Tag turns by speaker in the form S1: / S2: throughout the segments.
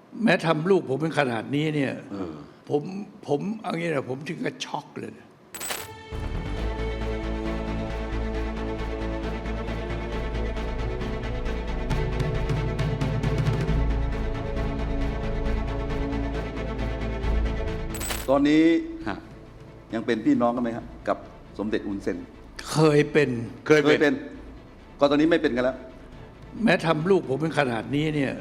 S1: แม้ทำลูกผมเป็นขนาดนี้เนี่ยผมเอางี้นะผมถึงกับช็อกเลยนะ
S2: ตอนนี้ยังเป็นพี่น้องกันไหมครับกับสมเด็จอุนเซน
S1: เคยเป็น
S2: ก็ตอนนี้ไม่เป็นกันแล้ว
S1: แม้ทำลูกผมเป็นขนาดนี้เนี่ย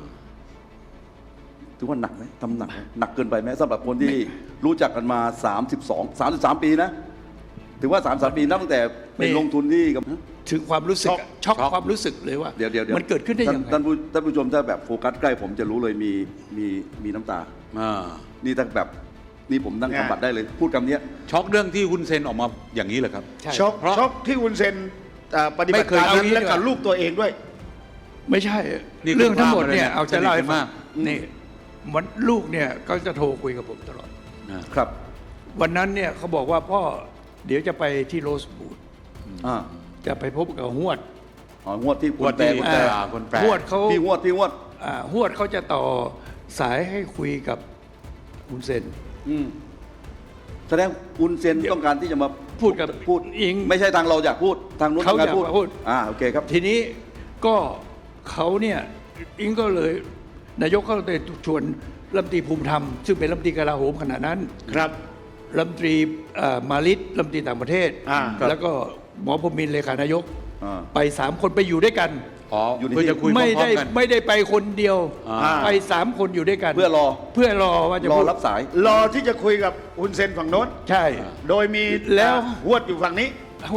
S2: ถือว่าหนักไหมทำหนักเกินไปไหมสำหรับคนที่รู้จักกันมา33 ปีนะถือว่า33 ปีนับตั้งแต่ไปลงทุนที่กับ
S1: ถึงความรู้สึกช็อกความรู้สึกเลยว่า
S2: เดี๋ยว
S1: มันเกิดขึ้นได้ยังไง
S2: ท่านผู้ชมถ้าแบบโฟกัสใกล้ผมจะรู้เลยมีน้ำตานี่ถ้าแบบนี่ผมนั่งทำบัตรได้เลยพูดคำนี้
S3: ช็อกเรื่องที่ฮุนเซนออกมาอย่างนี้เหรอครับ
S4: ช็อกที่ฮุนเซนปฏิบัติการนั้นและกับลูกตัวเองด้วย
S1: ไม่ใช่เรื่องทั้งหมดเนี่ยเอาจะเล่าให้ฟังนี่วันลูกเนี่ยก็จะโทรคุยกับผมตลอด
S2: ครับ
S1: วันนั้นเนี่ยเขาบอกว่าพ่อเดี๋ยวจะไปที่โรสบูดจะไปพบกับฮวด
S2: ฮวดที่คนแปล
S1: ฮวดเขา
S2: พี่ฮวด
S1: ฮวดเขาจะต่อสายให้คุยกับฮุนเซน
S2: แสดงฮุนเซนต้องการที่จะมา
S1: พูดอิง
S2: ไม่ใช่ทางเราอยากพูดทางนู้น
S1: เขาอยากพูด
S2: โอเคครับ
S1: ทีนี้ก็เขาเนี่ยอิงก็เลยนายกก็เลยชวนรัฐมนตรีภูมิธรรมซึ่งเป็นรัฐมนตรีกลาโหมขณะนั้น
S4: ครับ
S1: รัฐมนตรีมาลิตรัฐมนตรีต่างประเทศแล้วก็หมอพรหมินทร์เลขานายกไป3 คนไปอยู่ด้วยกัน
S3: อยู่เพื่อจะคุย
S1: ไม่ได้ไปคนเดียวไป3 คนอยู่ด้วยกัน
S2: เพื่อรอ
S1: ว่าจะ
S2: รอรับสาย
S4: รอที่จะคุยกับฮุนเซนฝั่งโน้น
S1: ใช่
S4: โดยมี
S1: แล้ว
S4: ฮวดอยู่ฝั่งนี้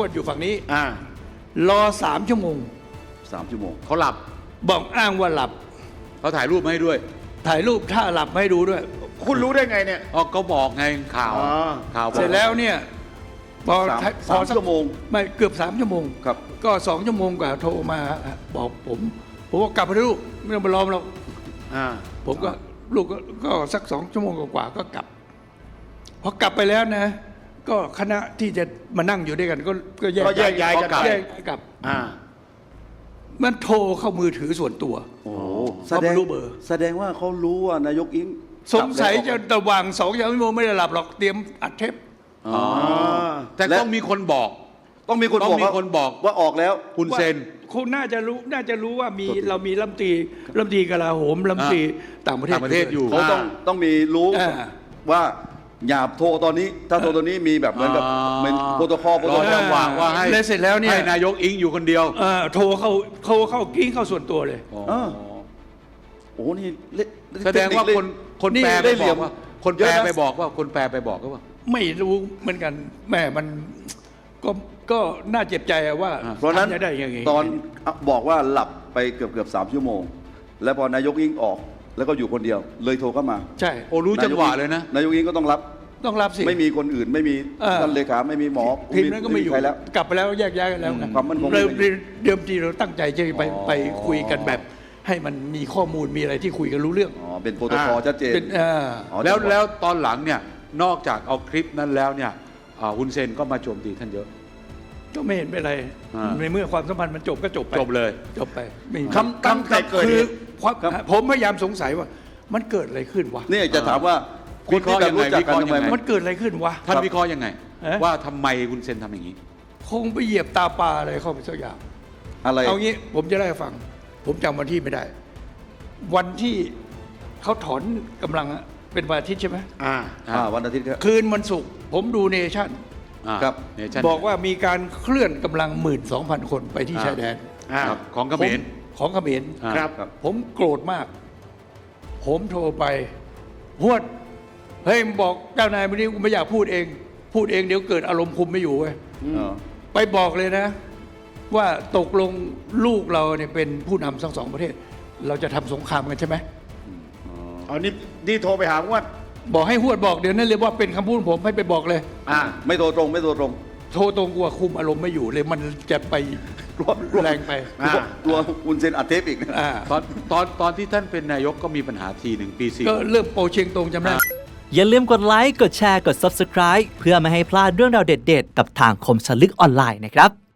S1: รอ3 ชั่วโมง
S3: เขาหลับ
S1: บอกอ้างว่าหลับ
S3: เขาถ่ายรูปมาให้ด้วย
S1: ถ่ายรูปถ้าหลับให้ดูด้วย
S4: คุณรู้ได้ไงเนี่ย
S3: ก็บอกไงข่าว
S1: เสร็จแล้วเนี่ยพอ
S2: 3 ชั่วโมง
S1: ไม่เกือบ3 ชั่วโมง
S2: ครับ
S1: ก็2 ชั่วโมงกว่าโทรมาบอกผมว่ากลับไปลูกไม่ต้องไปรอหรอกผมก็ลูกก็สัก2 ชั่วโมงกว่าก็กลับพอกลับไปแล้วนะก็คณะที่จะมานั่งอยู่ด้วยกันก็แยก
S4: ย้ายกัน
S1: กลับมันโทรเข้ามือถือส่วนตัว
S2: แสดงว่าเขารู้ว่านายกอิง
S1: สงสัยจะระหว่าง2 ชั่วโมงไม่ได้หลับหรอกเตรียมอัดเทป
S3: แต่ต้องมีคนบอก
S2: ว่าออกแล้ว
S3: ฮุนเซน
S1: คุณน่าจะรู้ว่าเรามีรัฐมนตรีกลาโหมรัฐมนตรีต่างประเทศ
S3: อยู่
S2: เขาต้องมีรู้ว่าอย่าโทรตอนนี้ถ้าโทรตอนนี้มีแบบเหมือนกับเป็นโปรโตคอล
S3: จังหวะว่าให้
S1: เสร็จแล้วเนี่ย
S3: ให้นายกอิงอยู่คนเดียว
S1: โทรเข้ากิ้งเข้าส่วนตัวเลย
S2: โอ้นี่
S3: แสดงว่าคนแปลไปบอกว่าคนแปลไปบอกว่า
S1: ไม่รู้เหมือนกันแม่มันก็น่าเจ็บใจว่า
S2: เพราะนั้น
S1: ได้ยังไง
S2: ตอนบอกว่าหลับไปเกือบ3 ชั่วโมงแล้วพอนายกอิงออกแล้วก็อยู่คนเดียวเลยโทรเข้ามา
S1: ใช่
S3: รู้จังหวะเลยนะ
S2: นายกอิงก็ต้องรับ
S1: สิ
S2: ไม่มีคนอื่นไม่มีท่านเลขาไม่มีหมอ
S1: ทีมนั้นก็ไม่อยู่แล้วกลับไปแล้วแยกย้ายกันแล้ว
S2: ความมั่นคง
S1: เดิมทีเราตั้งใจจะไปคุยกันแบบให้มันมีข้อมูลมีอะไรที่คุยกันรู้เรื่อง
S2: เป็นโปรโตคอลชัดเจน
S3: แล้วตอนหลังเนี่ยนอกจากเอาคลิปนั้นแล้วเนี่ยฮุนเซนก็มาโจมตีท่านเยอะ
S1: ก็ไม่เห็นเป็นไรในเมื่อความสัมพันธ์มันจบก็จบไป
S2: คำคือ
S1: ผมพยายามสงสัยว่ามันเกิดอะไรขึ้นวะ
S2: นี่จะถามว่า
S3: คนที่แบบรู้จักกันทำไม
S1: มันเกิดอะไรขึ้นวะ
S3: ท่านวิเคราะห์ยังไงว่าทำไมฮุนเซนทำอย่างนี้
S1: คงไปเหยียบตาปลาอะไรเข้าไปสักอย่าง
S2: อะไร
S1: เอางี้ผมจะได้ฟังผมจำวันที่ไม่ได้วันที่เขาถอนกำลังเป็นวันอาทิตย์ใช่ไหม
S2: วันอาทิตย์
S1: คืนวันศุกร์ผมดูเนชั่น
S2: ครับ
S1: บอกว่ามีการเคลื่อนกำลัง 12,000 คนไปที่ชายแดน
S3: ของเขมร
S1: ครับผมโกรธมากผมโทรไปฮวดเฮ้ยบอกเจ้านายวันนี้กูไม่อยากพูดเองเดี๋ยวเกิดอารมณ์คุมไม่อยู่เว้ยไปบอกเลยนะว่าตกลงลูกเราเนี่ยเป็นผู้นำทั้ง2 ประเทศเราจะทำสงครามกันใช่ไหม
S4: นี่โทรไปหาฮวด
S1: บอกให้ฮวดบอกเดี๋ยวนั้นเลยว่าเป็นคำพูดผมให้ไปบอกเลย
S2: ไม่โทรตรง
S1: โทรตรงกลัวคุมอารมณ์ไม่อยู่เลยมันจะไปแรงไป
S2: กลัวอุนเซนอัดเทปอีก
S3: ตอนที่ท่านเป็นนายกก็มีปัญหาที1 ปี 4
S1: ก็เริ่มโปรเชียงตงจำได้
S5: อย่าลืมกดไลค์กดแชร์กด Subscribe เพื่อไม่ให้พลาดเรื่องราวเด็ดๆกับทางคมสนลึกออนไลน์นะครับ